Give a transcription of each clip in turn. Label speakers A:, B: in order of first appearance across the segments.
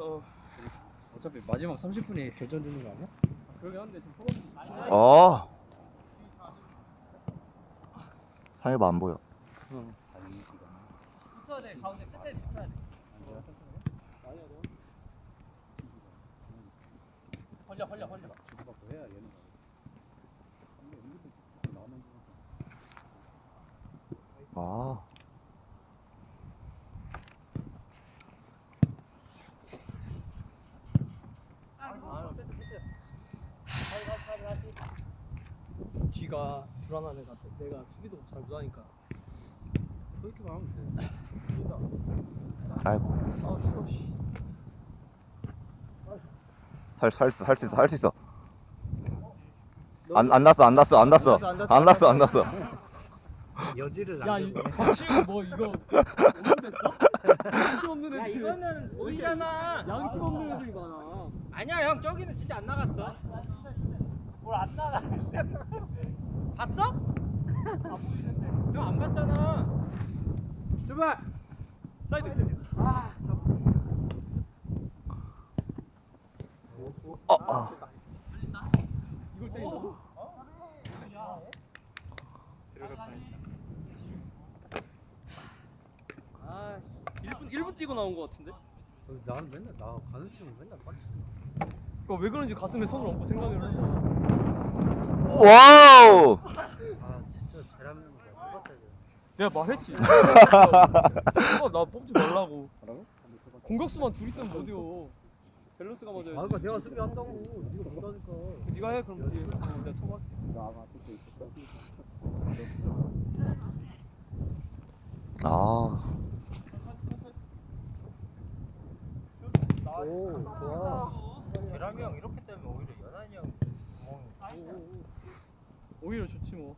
A: 어차피 마지막 30분이 결정되는 거 아니야?
B: 그러긴 한데 지금 소감이
C: 상해봐 안 보여.
B: 붙어야 돼. 가운데 끝에 붙어야 돼. 벌려.
A: 주고받고 해야 얘는
C: 아.
B: 쥐가 불안한 애 같아. 내가 수비도 잘 못하니까.
A: 그렇게만 하면 돼.
C: 아이고.
B: 아 죽어 씨.
C: 할 수 있어. 안 났어.
A: 여지를
B: 야, 박치우 뭐 이거 없는데서? 양심 없는 애들.
D: 야 이거는 보이잖아.
B: 양심 없는 애들이 많아.
D: 아니야 형 저기는 진짜 안 나갔어.
B: 뭘 안 나가?
D: 봤어? 형 안 봤잖아.
B: 제발. 사이드. 아. 이걸 때린다고? 아, 1분 뛰고 나온 거 같은데?
A: 나는 맨날 나 가는 팀은 맨날 빠지.
B: 그거 왜 그런지 가슴에 손을 얹고 생각을 해.
C: 와우.
A: 아 진짜 잘하는 거 뽑았어야 돼.
B: 내가 말했지. 나 뽑지 말라고.
A: 뭐라고?
B: 공격수만 둘 있으면 못 이겨. 밸런스가 맞아야지.
A: 그러니까 내가 수비한다고. 네가 못하니까.
B: 네가 해 그럼 뒤에. 내가 토막.
A: 나 아마 듣고 있었어.
C: 아.
A: 오 좋아.
D: 계람이 형 이렇게 되면 오히려 연한이 형 구멍이
B: 오히려 좋지 뭐.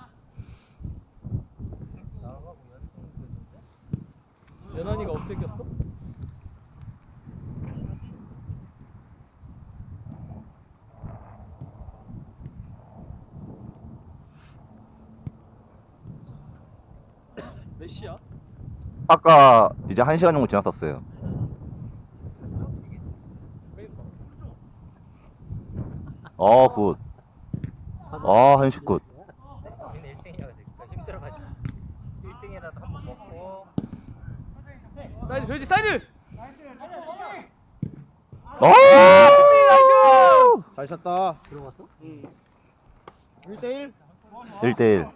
D: 나가고
B: 연한이가 업체겼어? 몇 시야?
C: 아까 이제 1시간 정도 지났었어요. 굿. 한식 굿.
D: 우리는 1등이라 그러니까 힘들어가지고 1등이라도 한번 먹고
B: 사이드 줘야지 사이드!
A: 잘 쳤다. 들어갔어?
B: 응.
A: 1대1?
C: 1대1.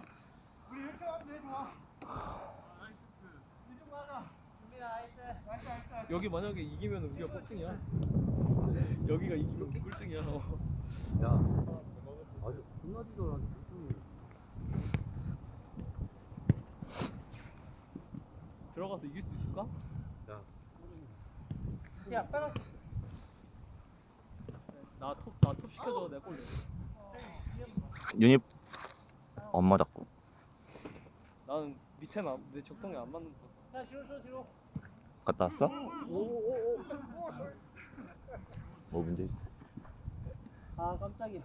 B: 여기 만약에 이기면 우리가 꼴등이야. 여기가 이기면 꼴등이야.
A: 야. 아주 끝나지도 않았는데.
B: 들어가서 이길 수 있을까?
A: 야.
D: 야 빨리
B: 나톱 시켜줘. 내가 골 넣어.
C: 유닛 엄마 잡고.
B: 나는 밑에는 내 적성에 안 맞는 거. 야 뒤로.
C: 갔다 왔어? 뭐 문제 있어?
B: 아 깜짝이야.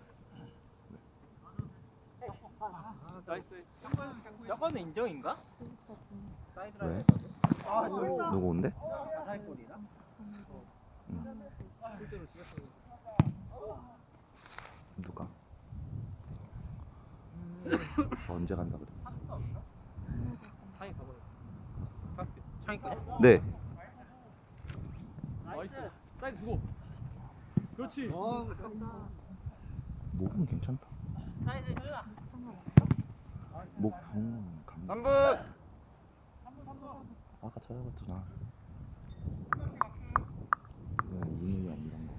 B: 나이스.
D: 저거는 인정인가?
C: 왜? 누구 온대?
D: 사이골이나?
C: 누가? 언제 간다 그래?
D: 창이 가버렸어. 창이까지?
C: 네.
B: 나이스. 사이드 두고. 그렇지.
C: 목은 괜찮다.
D: 사이드 줘라.
C: 목 붕.
D: 3분.
C: 아까 찾아봤잖아. 이누이 안 이런 거.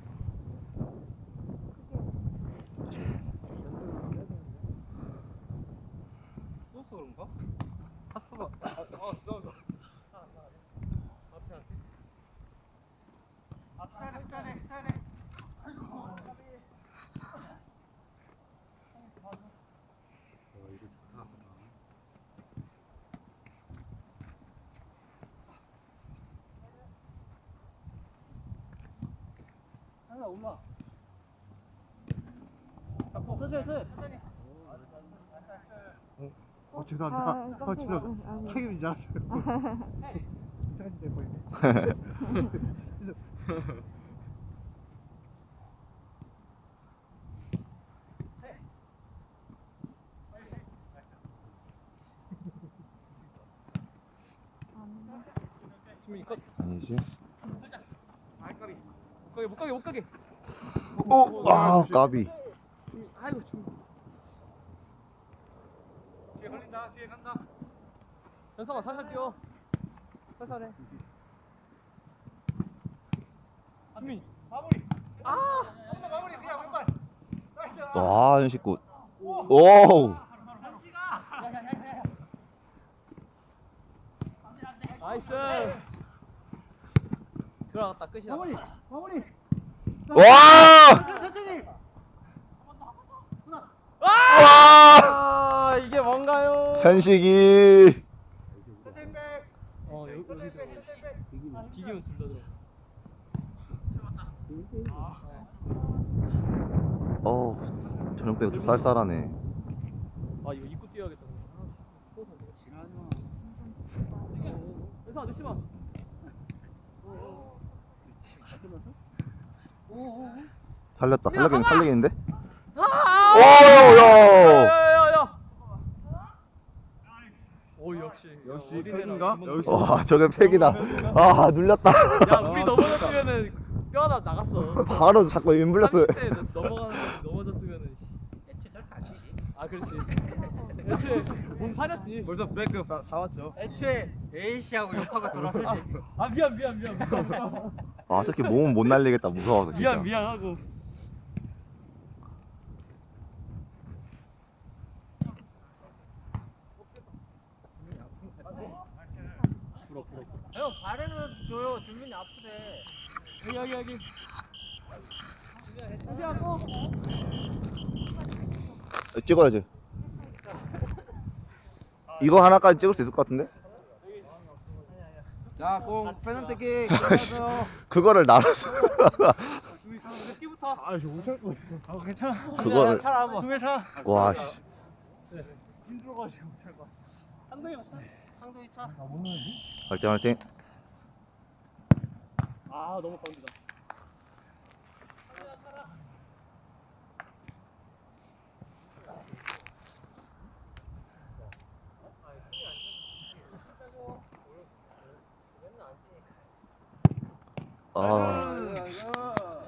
D: 또 그런가? 파스가 너.
B: 하나 올라. 천천히.
A: 죄송합니다. 죄송합니다. 상임인 줄 알았어요. 이상한 짓 해버리네.
B: 준민이 컷.
C: 아니지?
B: 못 가게.
C: 오! 아 까비.
B: 준민, 아이고 준민.
A: 뒤에 걸린다. 뒤에 간다.
B: 현성아 살살 뛰어. 살살해. 준민.
A: 마무리.
B: 아.
A: 한번 마무리 그냥 왼발. 나이스.
C: 와 현식굿. 오!
B: 나이스. 들어갔다 끝이야.
A: 마무리.
C: 와!
A: 천천히.
C: 와!
B: 아 이게 뭔가요?
C: 현식이.
A: 천천히 백.
B: 여기
A: 천천히 백. 천천히 백.
B: 비기면 둘다 들어.
C: 저녁 때가 좀 쌀쌀하네.
B: 아 이거 입고 뛰어야겠다. 현성아 늦지 마.
C: 살려겠는데?
B: 아!
C: 오야!
B: 야야야야. 오 역시
A: 팩인가? 역시.
C: 와 저게 팩이다. 아 눌렸다.
B: 야 우리 넘어졌으면은 뼈 하나 나갔어.
C: 바로 자꾸 윈블렸어.
B: 30대 넘어졌으면은.
D: 애초에 절대 안 되지.
B: 아 그렇지. 애초에 몸 사렸지.
A: 벌써 백급 다 왔죠.
D: 애초에 A씨하고 욕하고 돌았을지.
B: 아 미안.
C: 아 저렇게 몸은 못 날리겠다 무서워서 진짜.
B: 미안하고.
D: 형 발에는 줘요. 준민이 아프대.
B: 여기. 다시 하고.
C: 찍어야지. 이거 하나까지 찍을 수 있을 것 같은데?
A: 자, 공 페널티킥.
C: 그거를 나눴어.
B: 몇 끼부터?
A: 아, 저 못할 거 같아. 아, 괜찮아.
C: 그거를.
B: 차라 한번.
A: 두개 차.
C: 와 씨.
A: 힘들어가지고 못할 거 같아.
B: 상동이만 차. 상동이 차.
C: 화이팅.
B: 아 너무 가운데다.
C: 아.